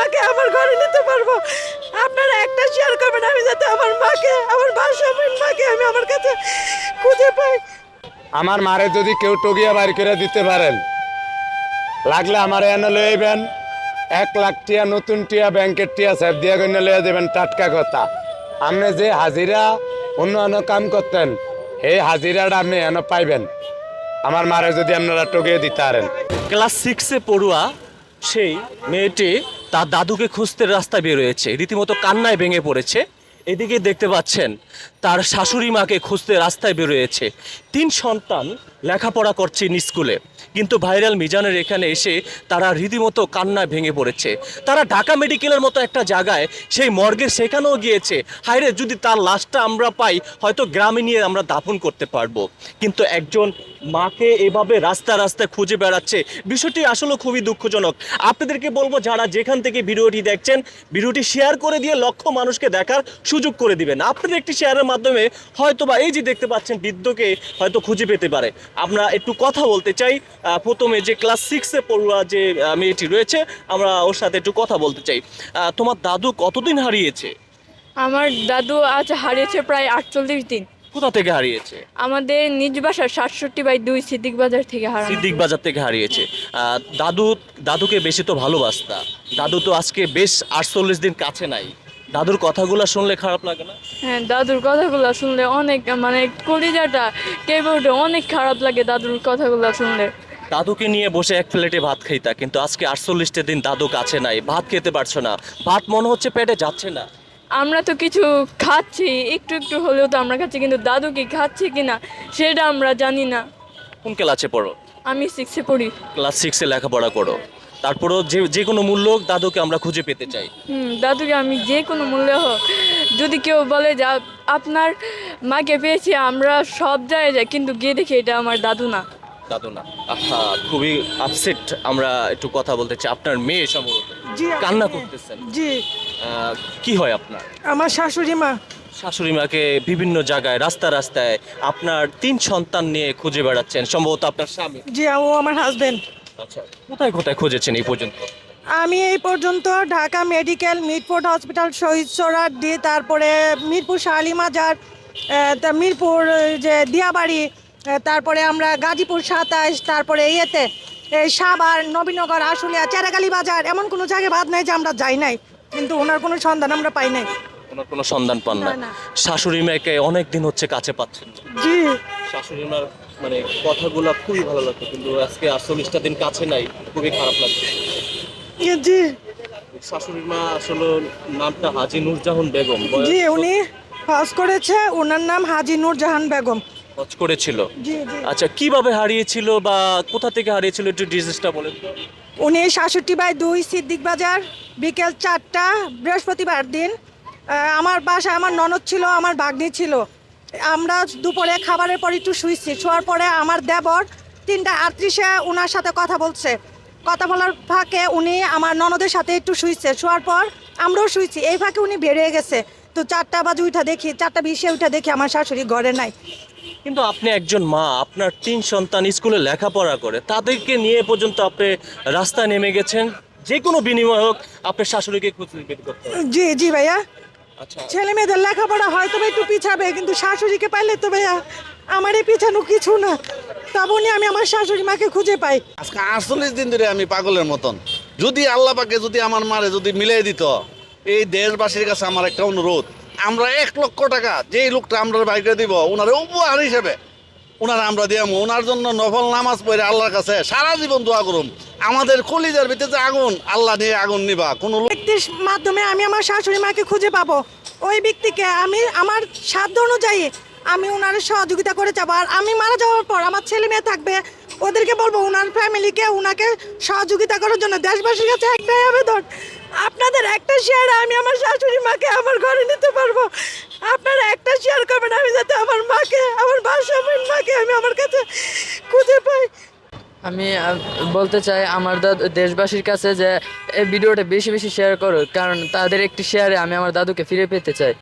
মাকে আমার ঘরে নিতে পারবো। আপনারা একটা শেয়ার করবেন, আমি যাতে আমার মাকে, আমার ভাষাহীন মাকে আমি আমার কাছে খুঁজে পাই। আমার মারে যদি কেউ টগিয়া বাড়ি করে দিতে পারেন, লাগলে আমার এনে লইবেন 1 লাখ টিয়া, নতুন টিয়া, ব্যাংকের টিয়া স্যার দিয়া গণ্য লইয়া দেবেন। টাটকা কথা, আপনি যে হাজিরা অন্য কাম করতেন, এই হাজিরাটা আপনি এনে পাইবেন আমার মারে যদি আপনারা টগিয়ে দিতে পারেন। ক্লাস 6-এ পড়ুয়া সেই মেয়েটি তার দাদুকে খুঁজতে রাস্তায় বেরোয়েছে, রীতিমতো কান্নায় ভেঙে পড়েছে। এদিকে দেখতে পাচ্ছেন তার শাশুড়ি মাকে খুঁজতে রাস্তায় বেরোয়েছে। 3 সন্তান লেখাপড়া করছে স্কুলে, কিন্তু ভাইরাল মিজানের এখানে এসে তারা রীতিমতো কান্নায় ভেঙে পড়েছে। তারা ঢাকা মেডিকেলের মতো একটা জায়গায় সেই মর্গের সেখানেও গিয়েছে, হায়রে যদি তার লাশটা আমরা পাই হয়তো গ্রামে নিয়ে আমরা দাফন করতে পারবো। কিন্তু একজন মাকে এভাবে রাস্তা রাস্তায় খুঁজে বেড়াচ্ছে, বিষয়টি আসলে খুবই দুঃখজনক। আপনাদেরকে বলবো, যারা যেখান থেকে ভিডিওটি দেখছেন, ভিডিওটি শেয়ার করে দিয়ে লক্ষ মানুষকে দেখার সুযোগ করে দিবেন। আপনাদের একটি শেয়ারের মাধ্যমে হয়তো বা এই যে দেখতে পাচ্ছেন বৃদ্ধকে হয়তো খুঁজে পেতে পারে। আমরা একটু কথা বলতে চাই। প্রথমে যে ক্লাস 6-এ পড়ুয়া যে মেয়েটি রয়েছে, আমরা ওর সাথে একটু কথা বলতে চাই। তোমার দাদু কতদিন হারিয়েছে? আমার দাদু আজ হারিয়েছে প্রায় 48 দিন। কোথা থেকে হারিয়েছে? আমাদের নিজ বাসা 67/2 সিদ্দিক বাজার থেকে হারানো। সিদ্দিক বাজার থেকে হারিয়েছে। দাদুকে বেশি তো ভালোবাসতা। দাদু তো আজকে বেশ 48 দিন কাছে নাই। দাদুর কথাগুলো শুনলে খারাপ লাগে না? হ্যাঁ, দাদুর কথাগুলো শুনলে অনেক মানে কলিজাটা কেঁপে ওঠে, অনেক খারাপ লাগে দাদুর কথাগুলো শুনলে। দাদুকে নিয়ে বসে এক প্লেটে ভাত খাইতা, কিন্তু আজকে 48টা দিন দাদু কাছে নাই, ভাত খেতে পারছো না, ভাত মনে হচ্ছে পেটে যাচ্ছে না। আমরা তো কিছু খাচ্ছি একটু একটু হলেও তো আমরা খাচ্ছি, কিন্তু দাদু কি খাচ্ছে কিনা সেটা আমরা জানি না। কোন ক্লাসে পড়ো? আমি 6-এ পড়ি। ক্লাস 6-এ লেখাপড়া করো, তারপরও যে কোনো মূল্য হোক দাদুকে আমরা খুঁজে পেতে চাই। দাদুকে আমি যে কোনো মূল্যে হোক, যদি কেউ বলে যে আপনার মাকে পেয়েছি, আমরা সব জায়গায় যাই, কিন্তু গিয়ে দেখি এটা আমার দাদু না। দাদু না, আহা, খুবই আপসেট। আমরা একটু কথা বলতে চাই। আপনার মেয়ে সম্ভবত জি, কান্না করতেছেন। জি, কি হয় আপনার? আমার শাশুড়ি মা। শাশুড়ি মাকে বিভিন্ন জায়গায় রাস্তায় আপনার 3 সন্তান নিয়ে খুঁজে বেড়াচ্ছেন, সম্ভবত আপনার স্বামী। জি, ও আমার হাজবেন্ড। আচ্ছা, কোথায় কোথায় খুঁজেছেন এই পর্যন্ত? আমি এই পর্যন্ত ঢাকা মেডিকেল, মিরপুর হসপিটাল, শহীদ সোহরাওয়ার্দী দিয়ে, তারপরে মিরপুর শালিমাজার, মিরপুর যে দিয়াবাড়ি, তারপরে আমরা গাজীপুর 27, তারপরে ইয়েতে এই সাভার, নবীনগর, আশুলিয়া, চেরাগালি বাজার, এমন কোনো জায়গায় বাদ নাই যে আমরা যাই নাই, কিন্তু ওনার কোনো সন্ধান আমরা পাই নাই। ওনার কোনো সন্ধান পান না? না, না। শাশুড়ি মাকে অনেক দিন হচ্ছে কাছে পাচ্ছেন না। জি, শাশুড়ি মার মানে কথাগুলো খুবই ভালো লাগতো, কিন্তু আজকে 48টা দিন কাছে নাই, খুবই খারাপ লাগছে। জি, শাশুড়ি মা আসলে নামটা হাজী নূরজাহান বেগম, জি, উনি হজ করেছে, ওনার নাম হাজী নূরজাহান বেগম। হজ করেছিল। জি, জি। আচ্ছা, কিভাবে হারিয়েছিল বা কোথা থেকে হারিয়েছিল একটু ডিটেইলসটা বলেন তো। উনি 67/2 সিদ্দিক বাজার, বিকেল 4টা, বৃহস্পতিবার দিন। আমার বাসায় আমার ননদ ছিল, আমার ভাগ্নি ছিল। আমরা দুপুরে খাবারের পর একটু শুয়েছি, শোয়ার পরে আমার দেবর 3:38-এ ওনার সাথে কথা বলছে। কথা বলার ফাঁকে উনি আমার ননদের সাথে একটু শুয়েছে, শোয়ার পর আমরাও শুয়েছি, এই ফাঁকে উনি বেরিয়ে গেছে। তো 4টা বাজে উঠা দেখি, 4:20-এ উঠা দেখি আমার শাশুড়ি ঘরে নাই। কিন্তু আপনি একজন মা, আপনার 3 সন্তান স্কুলে লেখাপড়া করে, তাদেরকে নিয়ে পর্যন্ত আপনি রাস্তায় নেমে গেছেন, যে কোনো বিনিময় হোক আপনার শাশুড়িকে খুঁজে বের করতে হবে। জি, জি ভাইয়া। আচ্ছা, ছেলে মেয়েদের লেখাপড়া হয়তো বা একটু পিছাবে, কিন্তু শাশুড়িকে পাইলে তো ভাইয়া আমার এই পিছানো কিছু না। তবনই আমি আমার শাশুড়ি মাকে খুঁজে পাই। আজকে 48 দিন ধরে আমি পাগলের মতন। যদি আল্লাহ পাকে যদি আমার মারে যদি মিলাই দিত, এই দেশবাসীর কাছে আমার একটা অনুরোধ, আমরা 1 লক্ষ টাকা যেই লোকটা আমরা বাইকে দিব, ওনার উপহার হিসেবে ওনার আমরা দিয়াম। ওনার জন্য নফল নামাজ পড়ে আল্লাহর কাছে সারা জীবন দোয়া করুম। আমাদের কলিজার ভিতরে যে আগুন, আল্লাহ নিয়ে আগুন নিবা কোনো ব্যক্তির মাধ্যমে আমি আমার শাশুড়ি মাকে খুঁজে পাবো। ওই ব্যক্তিকে আমি আমার সাধ্য অনুযায়ী আমি ওনার সহযোগিতা করে যাবো। আর আমি মারা যাওয়ার পর আমার ছেলে মেয়ে থাকবে, ওদেরকে বলবো ওনার ফ্যামিলিকে ওনাকে সহযোগিতা করার জন্য। দেশবাসীর কাছে একটাই আবেদন, আপনাদের একটা শেয়ারে আমি আমার শাশুড়ি মাকে আমার ঘরে নিতে পারবো। আপনারা একটা শেয়ার করবেন, আমি যাতে আমার মাকে, আমার ভাষাহীন মাকে আমি আমার কাছে খুঁজে পাই। আমি বলতে চাই আমার দেশবাসীর কাছে যে এই ভিডিওটা বেশি বেশি শেয়ার করো, কারণ তাদের একটি শেয়ারে আমি আমার দাদুকে ফিরে পেতে চাই।